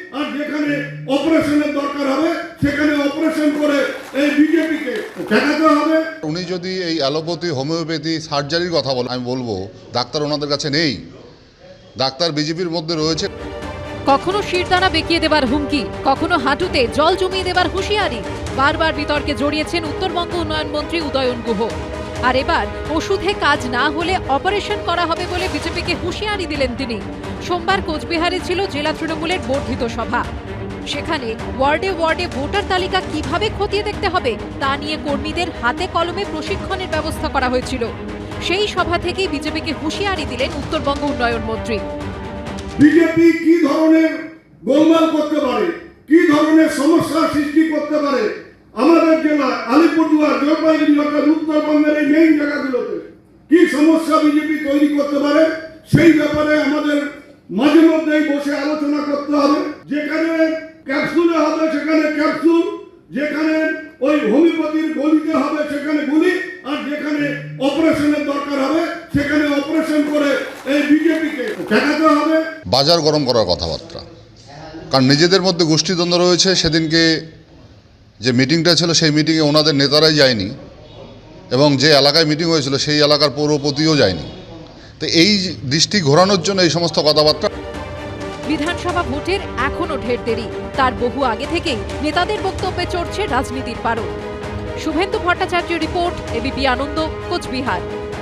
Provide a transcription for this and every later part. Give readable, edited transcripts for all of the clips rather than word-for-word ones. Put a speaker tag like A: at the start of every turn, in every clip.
A: আর যেখানে অপারেশনের দরকার হবে সেখানে অপারেশন করে এই বিজেপিকে ঠেকাতে হবে।
B: উনি যদি এই অ্যালোপ্যাথি, হোমিওপ্যাথি, সার্জারির কথা বলেন, আমি বলবো ডাক্তার ওনাদের কাছে নেই, ডাক্তার বিজেপির মধ্যে রয়েছে।
C: কখনো শিরদাঁড়া বেঁকিয়ে দেবার হুমকি, কখনো হাঁটুতে জল জমিয়ে দেবার হুঁশিয়ারি, বারবার বিতর্কে জড়িয়েছেন উত্তরবঙ্গ উন্নয়ন মন্ত্রী উদয়ন গুহ। আর এবার ওষুধে কাজ না হলে অপারেশন করা হবে বলে বিজেপিকে হুঁশিয়ারি দিলেন তিনি। সোমবার কোচবিহারে ছিল জেলা তৃণমূলের বর্ধিত সভা। সেখানে ওয়ার্ডে ওয়ার্ডে ভোটার তালিকা কিভাবে খতিয়ে দেখতে হবে তা নিয়ে কর্মীদের হাতে কলমে প্রশিক্ষণের ব্যবস্থা করা হয়েছিল। সেই সভা থেকেই বিজেপিকে হুঁশিয়ারি দিলেন উত্তরবঙ্গ উন্নয়ন মন্ত্রী।
A: বিজেপি কি ধরনের গোলমাল করতে পারে, কি ধরনের সমস্যা সৃষ্টি করতে পারে আমাদের জেলা আলিপুরদুয়ার, জলপাইগুড়ি অর্থাৎ উত্তরবঙ্গের এই মেইন জায়গাগুলোতে কি সমস্যা বিজেপি তৈরি করতে পারে, সেই ব্যাপারে আমাদের মাঝে মধ্যেই বসে আলোচনা করতে হবে। যেখানে ক্যাপসুলে হবে সেখানে ক্যাপসুল, যেখানে ওই হোমিওপ্যাথির গলিতে হবে সেখানে গুলি, আর যেখানে অপারেশনের দরকার হবে সেখানে অপারেশন করে এই বিজেপিকে ঠেকাতে হবে।
B: বাজার গরম করার কথাবার্তা, কারণ নিজেদের মধ্যে গোষ্ঠীদ্বন্দ্ব রয়েছে। সেদিনকে যে মিটিংটা ছিল সেই মিটিংয়ে ওনাদের নেতারাই যায়নি, এবং যে এলাকায় মিটিং হয়েছিল সেই এলাকার পৌরপতিও যায়নি। তো এই দৃষ্টি ঘোরানোর জন্য এই সমস্ত কথাবার্তা।
C: বিধানসভা ভোটের এখনো ঢের দেরি, তার বহু আগে থেকেই নেতাদের বক্তব্যে চড়ছে রাজনীতির পারদ। Suvendu Bhattacharya report, ABP Ananda, Cooch Behar.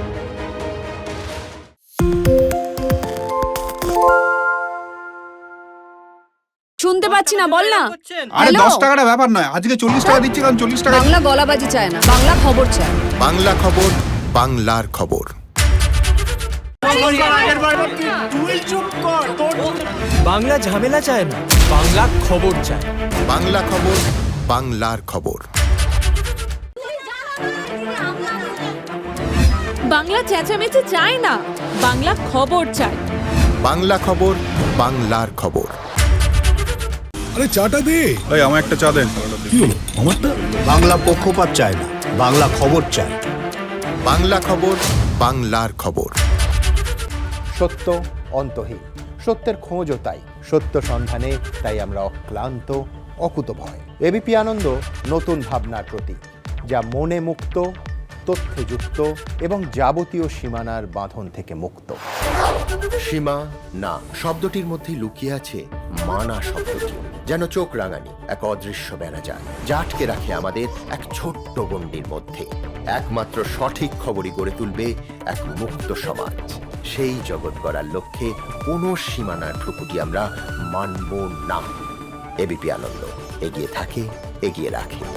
D: শুনতে পাচ্ছি না, বল না।
E: আরে 10 টাকাটা ব্যাপার নয়, আজকে 40 টাকা দিচ্ছি, কারণ 40 টাকা।
D: বাংলা গলাবাজি চায় না, বাংলা খবর চায়।
F: বাংলা খবর, বাংলার খবর।
G: বাংলা ঝামেলা চায় না, বাংলা খবর চায়।
F: বাংলা খবর, বাংলার খবর।
C: বাংলা চেঁচামেচি চায় না, বাংলা খবর চায়।
F: বাংলা খবর, বাংলার খবর।
E: আরে চাটা দে। এই আমার একটা চা দেন। কি হলো আমারটা?
H: বাংলা পক্ষপাত চায় না, বাংলা খবর চায়।
F: বাংলা খবর, বাংলার খবর।
H: সত্য অন্তহীন, সত্যের খোঁজও তাই, সত্য সন্ধানে তাই আমরা অক্লান্ত, অকুতভয়। এবিপি আনন্দ নতুন ভাবনার প্রতীক, যা মনে মুক্ত, তথ্যে যুক্ত এবং যাবতীয় সীমানার বাঁধন থেকে মুক্ত।
F: সীমা না শব্দটির মধ্যে লুকিয়ে আছে মানা শব্দটি, যেন চোখ রাঙানি এক অদৃশ্য বেড়াজাল, যা আটকে রাখে আমাদের এক ছোট্ট গণ্ডির মধ্যে। একমাত্র সঠিক খবরই গড়ে তুলবে এক মুক্ত সমাজ। সেই জগৎ গড়ার লক্ষ্যে কোনো সীমানার ঠুকুটি আমরা মানব না। এবিপি আনন্দ এগিয়ে থাকে, এগিয়ে রাখে।